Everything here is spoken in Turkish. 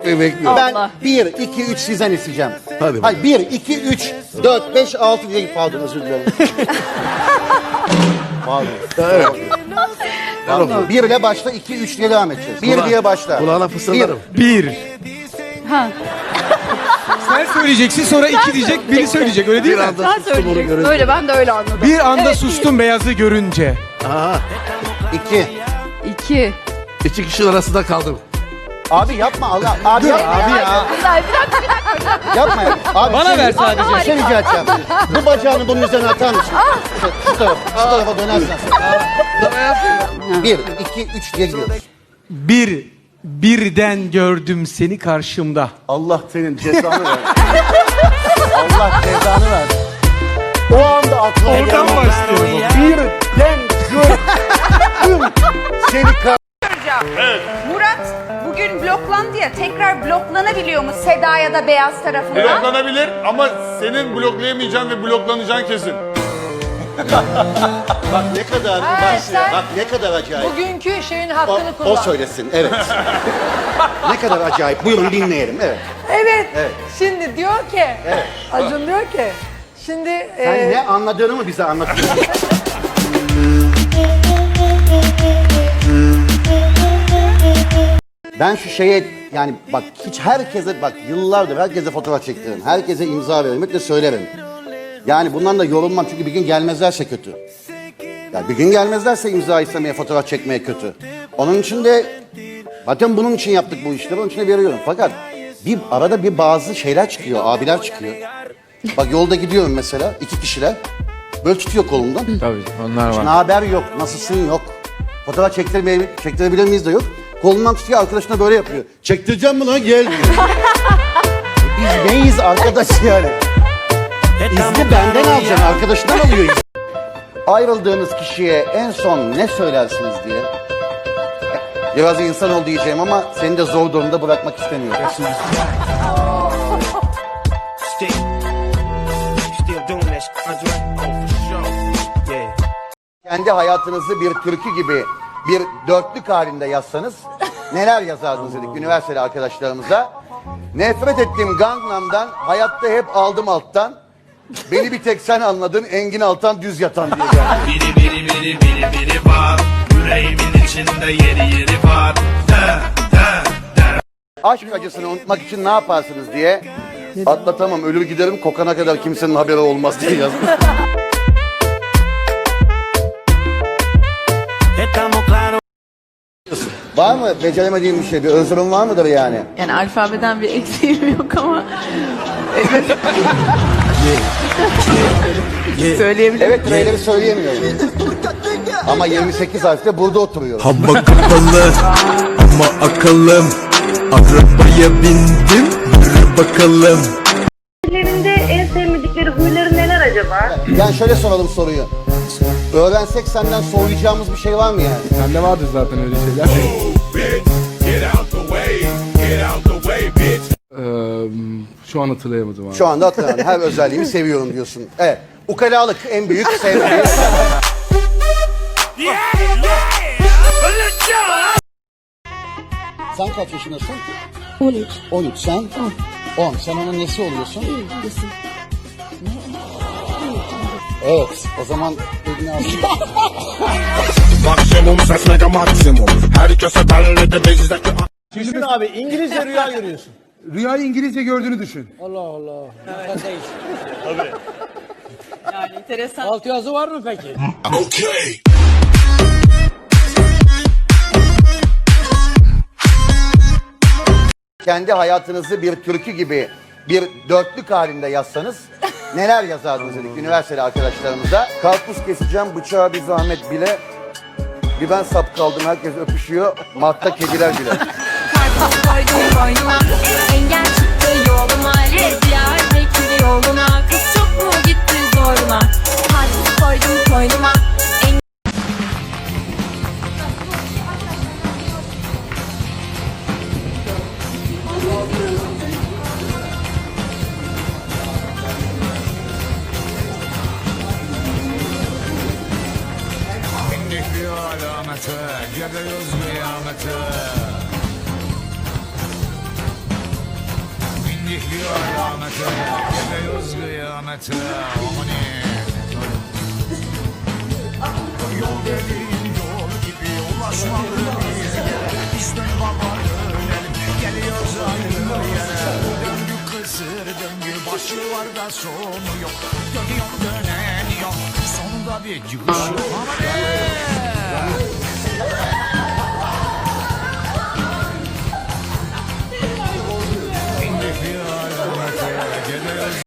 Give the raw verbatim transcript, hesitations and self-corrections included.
yapmayı bekliyorum. Ben Allah. bir, iki, üç sizden isteyeceğim. Hadi Hayır, bir, iki, üç, dört, beş, altı diye pardon özür dilerim. Pardon. Evet. Pardon. Bir ile başla, iki, üç diye devam edeceğiz. Bir Kula- diye başla. Kulağına fısıldarım. Bir. Ha. Sen söyleyeceksin sonra iki diyecek, biri söyleyecek öyle değil Bir mi? anda Sen sustum onu söyleyeceksin. görünce. Öyle ben de öyle anladım. Bir anda Evet, sustum beyazı görünce. Aha. İki. İki. İki kişinin arasında kaldım. Abi yapma Allah. Abi yapma Abi ya. ya. Güzel bir dakika bir dakika. Yapma ya. Abi, Bana şey- ver sadece. Bir şey rica edeceğim. Bu bacağını bunun üzerine atar mısın? Şu, şu tarafa, şu tarafa dönersen. Bir, iki, üç diye gidiyoruz. Bir. Birden gördüm seni karşımda. Allah senin cezanı ver. Allah cezanı ver. O anda aklıma Oradan geldi. başlıyorum. Birden gördüm seni kar... Murat bugün bloklandı ya, tekrar bloklanabiliyor mu Seda ya da Beyaz tarafından? Bloklanabilir ama senin bloklayamayacağın ve bloklanacağın kesin. Bak ne kadar, Ha, bak, sen- bak ne kadar acayip. Bugünkü şeyin O, hakkını o kullan. söylesin, evet. Ne kadar acayip. Buyurun dinleyelim, evet. Evet. Evet. Şimdi diyor ki, Acun diyor ki, şimdi Sen e, ne anladığını mı bize anlatıyorsun? Ben şu şeye yani bak hiç herkese bak yıllardır herkese fotoğraf çektiririm. Herkese imza veririm. Hep de söylerim. Yani bundan da yorulmam çünkü bir gün gelmezlerse kötü. Yani bir gün gelmezlerse imza istemeye, fotoğraf çekmeye kötü. Onun için de zaten bunun için yaptık bu işleri. Onun için de veriyorum. Fakat bir arada bir bazı şeyler çıkıyor. Abiler çıkıyor. Bak yolda gidiyorum mesela iki kişiler. Böyle tutuyor kolumdan. Tabii onlar Ne haber yok, nasılsın yok. Fotoğraf çektirmeye, çektirebilir miyiz de yok. Kolundan tutuyor arkadaşına böyle yapıyor. Çektireceğim mi lan gel diyor. Biz neyiz arkadaş yani? İzni benden alacaksın, arkadaşından alıyor izni. Ayrıldığınız kişiye en son ne söylersiniz diye. Biraz insan ol diyeceğim ama seni de zor durumda bırakmak istemiyorum. Still, still doing that shit, Andre? Oh, for sure. Yeah. Kendi hayatınızı bir türkü gibi bir dörtlük halinde yazsanız neler yazardınız dedik üniversiteli arkadaşlarımıza. Nefret ettiğim Gangnam'dan, hayatta hep aldım alttan. Beni bir tek sen anladın, Engin Altan düz yatan diye yani. Biri biri biri biri biri var. Yüreğimin içinde yeri yeri var. De, de, de. Aşk acısını unutmak için ne yaparsınız diye. Atlatamam, ölür giderim, kokana kadar kimsenin haberi olmaz diye yazmış. Estamos claros. Var mı beceremediğim bir şey, bir özrüm var mıdır yani? Yani alfabeden bir eksiğim yok ama. Söyleyebilirim. Evet, trailer'i söyleyemiyorum. Ama yirmi sekiz harfte burada oturuyor. Hava kapalı ama akıllım. Arabaya bindim, yürü bakalım. Evlerinde en sevmedikleri huyları neler acaba? Yani şöyle soralım soruyu. Öğrensek senden soğuyacağımız bir şey var mı yani? Sende vardır zaten öyle şeyler. Ee, şu an hatırlayamadım abi. Şu anda hatırlamıyorum. Her özelliğimi seviyorum diyorsun. Evet. Ukalalık en büyük sevdiğim. Sen kaç yaşındasın? on üç. on üç. Sen? on. Sen onun nesi oluyorsun? Evet. O zaman elini al. Maksimum ses mega maksimum. Herkese belli de bizdeki. Düşün abi, İngilizce rüya görüyorsun. Rüyayı İngilizce gördüğünü düşün. Allah Allah. Evet. Değil. Yani enteresan. Alt yazı var mı peki? Okay. Kendi hayatınızı bir türkü gibi bir dörtlük halinde yazsanız neler yazardınız dedik üniversiteli arkadaşlarımıza. Karpuz keseceğim, bıçağa bir zahmet bile. Bir ben sap kaldım, herkes öpüşüyor. Mart'ta kediler bile. Karpuz koydum koynuma, engel çıktı yoluma, Diyarbakır yoluna, kız çok mu gitti zoruna? Karpuz koydum koynuma, alameti, gidiyoruz kıyamete. kıyamete, geliyoruz kıyamete. Yol dediğin yol gibi ulaşmalı bize. Biz dön baba dönelim, geliyoruz aynı yere. Döngü kısır döngü, başı var da sonu yok. Dönüyor dönen yok, sonunda bir gülüş yok. Aman